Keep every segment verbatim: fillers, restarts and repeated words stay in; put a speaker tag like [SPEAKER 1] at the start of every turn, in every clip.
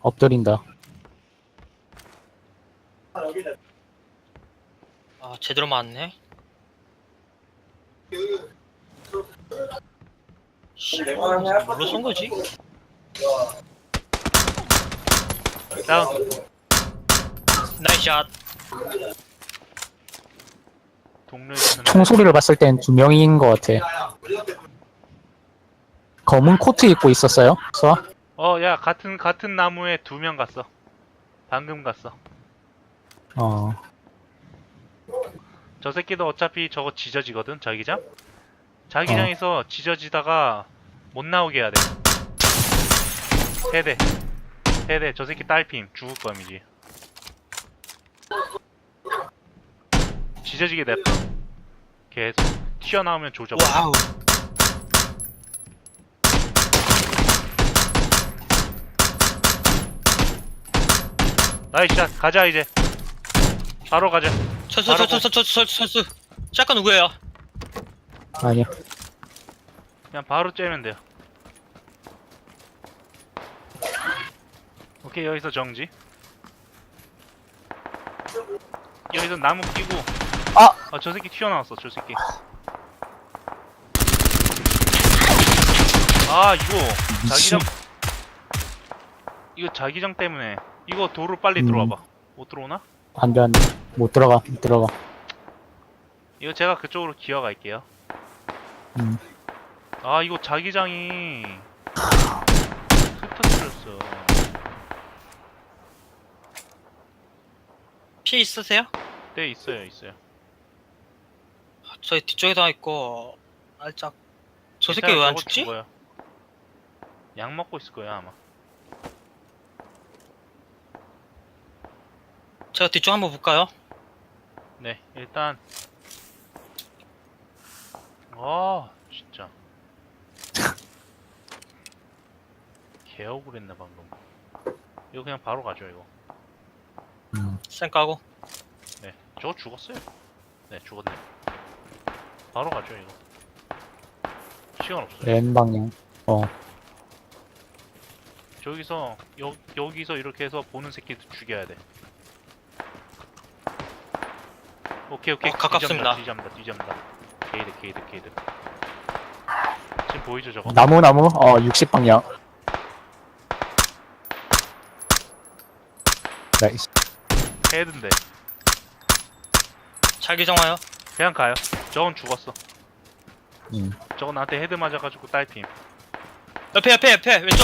[SPEAKER 1] 엎드린다.
[SPEAKER 2] 아 제대로 맞네. 씨발 뭘로 쏜 거지?
[SPEAKER 3] 다운.
[SPEAKER 2] 나이샷.
[SPEAKER 3] 동료에서는
[SPEAKER 1] 총소리를 봤을 땐 두 명인 것 같아. 검은 코트 입고 있었어요? 수아?
[SPEAKER 3] 어, 야, 같은 같은 나무에 두 명 갔어. 방금 갔어.
[SPEAKER 1] 어.
[SPEAKER 3] 저 새끼도 어차피 저거 지저지거든, 자기장? 자기장에서 지저지다가 못 나오게 해야 돼. 세대. 세대. 저 새끼 딸핌. 죽을 거임이지. 지저지게 냅둬. 계속. 튀어나오면 조져.
[SPEAKER 2] 와우.
[SPEAKER 3] 나이스 샷. 가자, 이제. 바로 가자.
[SPEAKER 2] 철수
[SPEAKER 3] 바로
[SPEAKER 2] 철수 철수 철수 철수. 샷건 누구예요?
[SPEAKER 1] 아니야.
[SPEAKER 3] 그냥 바로 째면 돼요. 오케이, 여기서 정지. 여기서 나무 끼고.
[SPEAKER 1] 아!
[SPEAKER 3] 아, 저 새끼 튀어나왔어, 저 새끼. 아, 이거 자기장 이거 자기장 때문에 이거 도로 빨리
[SPEAKER 1] 음.
[SPEAKER 3] 들어와봐. 못 들어오나?
[SPEAKER 1] 안 돼, 안 돼. 못 들어가, 못 들어가.
[SPEAKER 3] 이거 제가 그쪽으로 기어갈게요.
[SPEAKER 1] 음.
[SPEAKER 3] 아, 이거 자기장이 흩어뜨렸어.
[SPEAKER 2] 피 있으세요?
[SPEAKER 3] 네, 있어요, 있어요.
[SPEAKER 2] 저희 뒤쪽에도 하나 있고 살짝. 저 새끼
[SPEAKER 3] 괜찮아요,
[SPEAKER 2] 왜 안
[SPEAKER 3] 저거
[SPEAKER 2] 죽지?
[SPEAKER 3] 죽어요. 약 먹고 있을 거야 아마.
[SPEAKER 2] 제가 뒤쪽 한번 볼까요?
[SPEAKER 3] 네, 일단 아, 진짜 개 억울했네 방금. 이거 그냥 바로 가죠 이거.
[SPEAKER 1] 음.
[SPEAKER 2] 쌩 까고.
[SPEAKER 3] 네, 저거 죽었어요. 네, 죽었네. 바로 가죠 이거. 시간 없어요.
[SPEAKER 1] 왼 방향. 어.
[SPEAKER 3] 저기서 여, 여기서 이렇게 해서 보는 새끼 죽여야 돼. 오케이 오케이.
[SPEAKER 2] 어, 가깝습니다.
[SPEAKER 3] 뒤잡는다 뒤잡는다. 게이드 게이드 게이드. 지금 보이죠 저거?
[SPEAKER 1] 나무, 나무? 어, 육십 방향. 나이스.
[SPEAKER 3] 헤드인데
[SPEAKER 2] 자기장 와요.
[SPEAKER 3] 그냥 가요. 저건 죽었어.
[SPEAKER 1] 음.
[SPEAKER 3] 저건 나한테 헤드 맞아가지고 딸핌.
[SPEAKER 2] 옆에 옆에 옆에 왼쪽.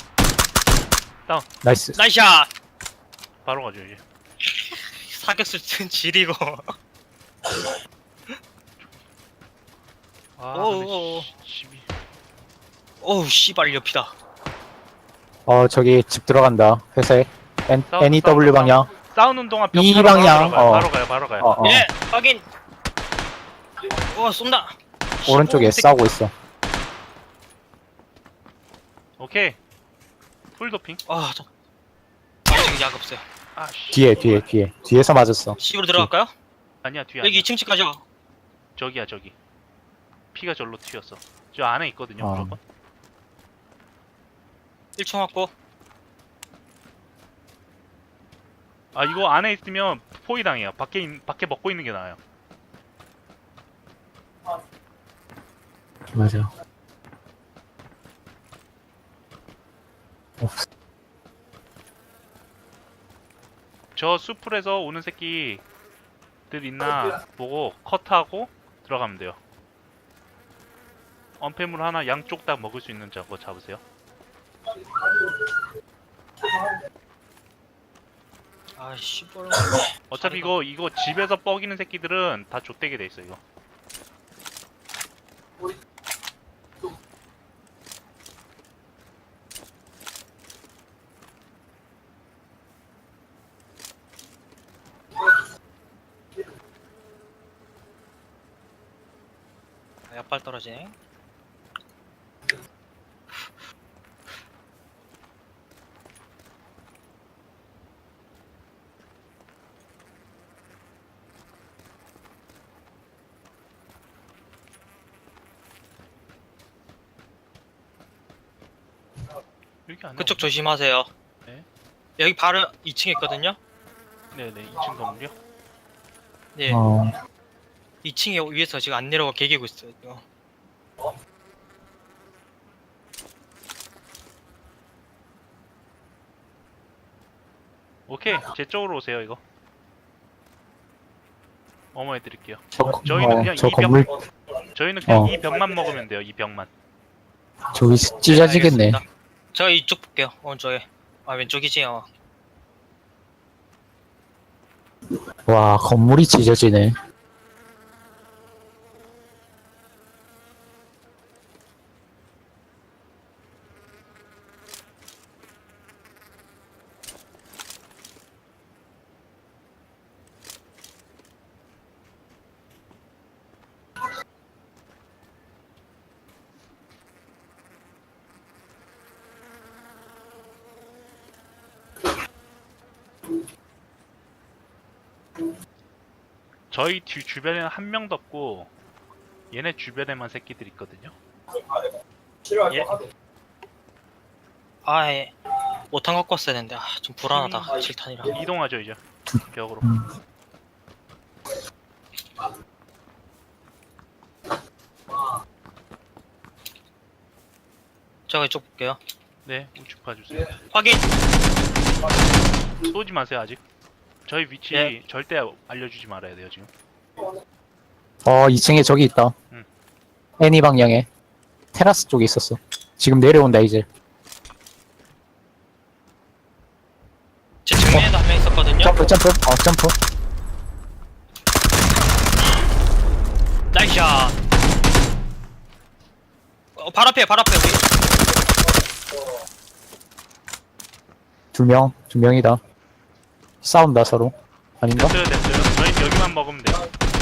[SPEAKER 1] 나이스.
[SPEAKER 2] 나이샷.
[SPEAKER 3] 바로 가죠 이제.
[SPEAKER 2] 사격수 튼 지리고.
[SPEAKER 3] 아
[SPEAKER 2] 오오오.
[SPEAKER 3] 근데 씨, 씨비.
[SPEAKER 2] 어우 씨발 옆이다.
[SPEAKER 1] 어, 저기 집 들어간다. 회사에. N,
[SPEAKER 3] 싸운다,
[SPEAKER 1] N E W
[SPEAKER 3] 싸운다,
[SPEAKER 1] 방향.
[SPEAKER 3] 싸우는 동안 벽
[SPEAKER 1] 이
[SPEAKER 3] 타러
[SPEAKER 1] 방향,
[SPEAKER 3] 바로,
[SPEAKER 1] 어.
[SPEAKER 3] 바로 가요 바로 가요.
[SPEAKER 1] 어, 어.
[SPEAKER 2] 예 확인. 어 쏜다.
[SPEAKER 1] 오른쪽에
[SPEAKER 2] 새끼.
[SPEAKER 1] 싸우고 있어.
[SPEAKER 3] 오케이. 풀도핑.
[SPEAKER 2] 아 저. 아직 약 없어요.
[SPEAKER 3] 아 씨.
[SPEAKER 1] 뒤에, 뒤에, 뒤에. 뒤에서 맞았어.
[SPEAKER 2] C으로 들어갈까요?
[SPEAKER 3] 아니야 뒤에.
[SPEAKER 2] 여기
[SPEAKER 3] 아니야.
[SPEAKER 2] 이 층 집 가죠.
[SPEAKER 3] 저기야 저기. 피가 절로 튀었어. 저 안에 있거든요
[SPEAKER 1] 아.
[SPEAKER 3] 무조건.
[SPEAKER 2] 일 층 왔고.
[SPEAKER 3] 아 이거 안에 있으면 포위 당해요. 밖에 있, 밖에 먹고 있는 게 나아요.
[SPEAKER 1] 맞아. 없어.
[SPEAKER 3] 저 숲풀에서 오는 새끼들 있나 보고 컷하고 들어가면 돼요. 언패물 하나 양쪽 다 먹을 수 있는 저거 잡으세요.
[SPEAKER 2] 아 씨발.
[SPEAKER 3] 어차피 이거 이거 집에서 뻐기는 새끼들은 다 좆되게 돼 있어 이거.
[SPEAKER 2] 아, 약발 떨어지네.
[SPEAKER 3] 여기 안에
[SPEAKER 2] 그쪽
[SPEAKER 3] 없나?
[SPEAKER 2] 조심하세요.
[SPEAKER 3] 네.
[SPEAKER 2] 여기 바로 이 층에 있거든요.
[SPEAKER 3] 네네 이 층 건물이요?
[SPEAKER 2] 네.
[SPEAKER 1] 어,
[SPEAKER 2] 이 층에 위에서 지금 안 내려가 개기고 있어요. 지금.
[SPEAKER 3] 오케이 제 쪽으로 오세요 이거. 어머 해드릴게요.
[SPEAKER 1] 저,
[SPEAKER 3] 저희는
[SPEAKER 1] 어,
[SPEAKER 3] 그냥
[SPEAKER 1] 저
[SPEAKER 3] 이 병-
[SPEAKER 1] 건물
[SPEAKER 3] 저희는 그냥
[SPEAKER 1] 어.
[SPEAKER 3] 이 병만 먹으면 돼요. 이 병만.
[SPEAKER 1] 저기 찢어지겠네.
[SPEAKER 2] 알겠습니다. 저 이쪽 볼게요. 오른쪽에. 아 왼쪽이지. 어.
[SPEAKER 1] 와, 건물이 찢어지네.
[SPEAKER 3] 저희 뒤 주변에는 한 명도 없고 얘네 주변에만 새끼들 있거든요.
[SPEAKER 2] 예. 아 예. 오탄 갖고 왔어야 되는데 아, 좀 불안하다. 칠 탄이라.
[SPEAKER 3] 이동하죠 이제 벽으로.
[SPEAKER 1] 음.
[SPEAKER 2] 제가 이쪽 볼게요.
[SPEAKER 3] 네 우측 봐주세요.
[SPEAKER 2] 확인.
[SPEAKER 3] 쏘지 마세요 아직. 저희 위치
[SPEAKER 2] 예.
[SPEAKER 3] 절대 알려주지 말아야 돼요 지금.
[SPEAKER 1] 어, 이 층에 저기 있다.
[SPEAKER 3] 응.
[SPEAKER 1] 애니 방향에. 테라스 쪽에 있었어. 지금 내려온다, 이제.
[SPEAKER 2] 제 측면에도 한 명 있었거든요.
[SPEAKER 1] 점프, 점프. 어, 점프.
[SPEAKER 2] 나이샷. 어, 발 앞에 발 앞에 우리.
[SPEAKER 1] 두 명, 두 명이다. 싸운다, 서로. 아닌가?
[SPEAKER 3] 됐어요 됐어요. 저희는 여기만 먹으면 돼요.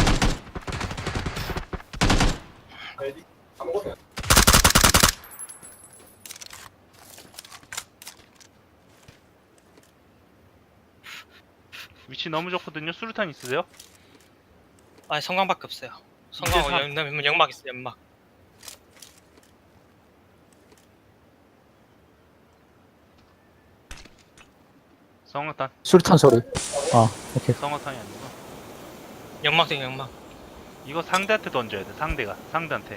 [SPEAKER 3] 위치 너무 좋거든요. 수류탄 있으세요?
[SPEAKER 2] 아니 성광밖에 없어요. 성광
[SPEAKER 3] 이제 사-
[SPEAKER 2] 연, 연막 있어 연막.
[SPEAKER 3] 성화탄.
[SPEAKER 1] 수류탄 소리. 아, 오케이.
[SPEAKER 3] 성화탄이 아니고.
[SPEAKER 2] 연막 등 연막.
[SPEAKER 3] 이거 상대한테 던져야 돼. 상대가 상대한테.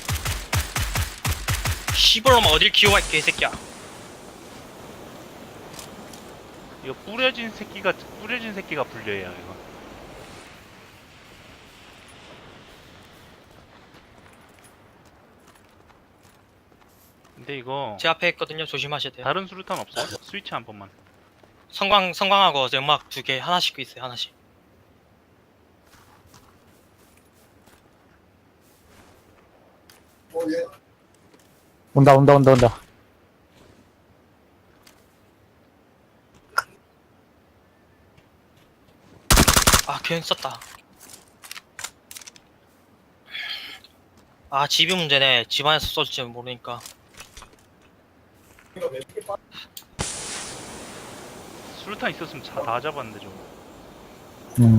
[SPEAKER 2] 시벌로만 어딜 기어가 있게 이 새끼야.
[SPEAKER 3] 이거 뿌려진 새끼가 뿌려진 새끼가 불려야 이거. 근데 이거
[SPEAKER 2] 제 앞에 있거든요. 조심하셔야 돼요.
[SPEAKER 3] 다른 수류탄 없어요? 스위치 한 번만.
[SPEAKER 2] 성광 성광하고 연막 두 개 하나씩 있어요. 하나씩.
[SPEAKER 1] 온다, 온다, 온다, 온다.
[SPEAKER 2] 아 괜히 썼다. 아 집이 문제네. 집 안에서 쏠지 모르니까.
[SPEAKER 3] 수류탄 있었으면 다, 다 잡았는데 저거.
[SPEAKER 1] 음.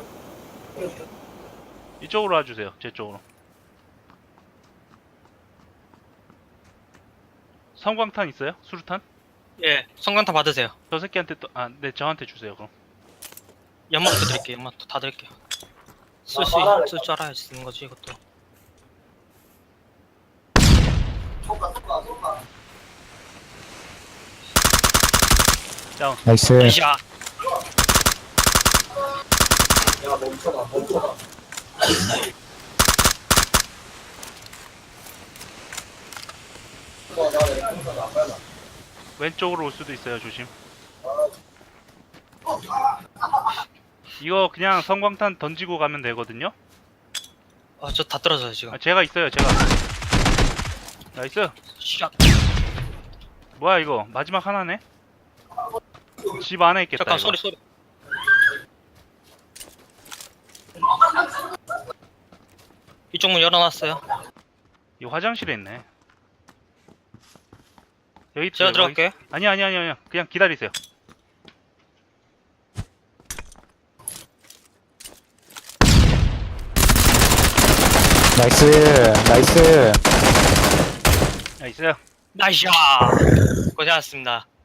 [SPEAKER 3] 이쪽으로 와주세요. 제 쪽으로. 성광탄 있어요? 수류탄?
[SPEAKER 2] 예. 성광탄 받으세요.
[SPEAKER 3] 저 새끼한테 또, 아, 네, 저한테 주세요, 그럼.
[SPEAKER 2] 연막도 드릴게요. 연막도 다 드릴게요. 쓸 수 쓸 줄 알아야지 쓰는 거지 이것도.
[SPEAKER 3] 다운.
[SPEAKER 1] 나이스.
[SPEAKER 2] 나이샷.
[SPEAKER 3] 왼쪽으로 올 수도 있어요, 조심. 이거 그냥 성광탄 던지고 가면 되거든요?
[SPEAKER 2] 아 저 다 떨어져요 지금.
[SPEAKER 3] 아, 제가 있어요, 제가. 나이스.
[SPEAKER 2] 샷.
[SPEAKER 3] 뭐야, 이거. 마지막 하나네? 집 안에 있겠다,
[SPEAKER 2] 잠깐
[SPEAKER 3] 이거.
[SPEAKER 2] 소리 소리. 이쪽 문 열어놨어요.
[SPEAKER 3] 이 화장실에 있네. 여기
[SPEAKER 2] 제가
[SPEAKER 3] 있어요,
[SPEAKER 2] 들어갈게요.
[SPEAKER 3] 거기- 아니, 아니, 아니, 아니. 그냥 기다리세요.
[SPEAKER 1] 나이스. 나이스.
[SPEAKER 3] 나이스.
[SPEAKER 2] 나이샷. 고생하셨습니다.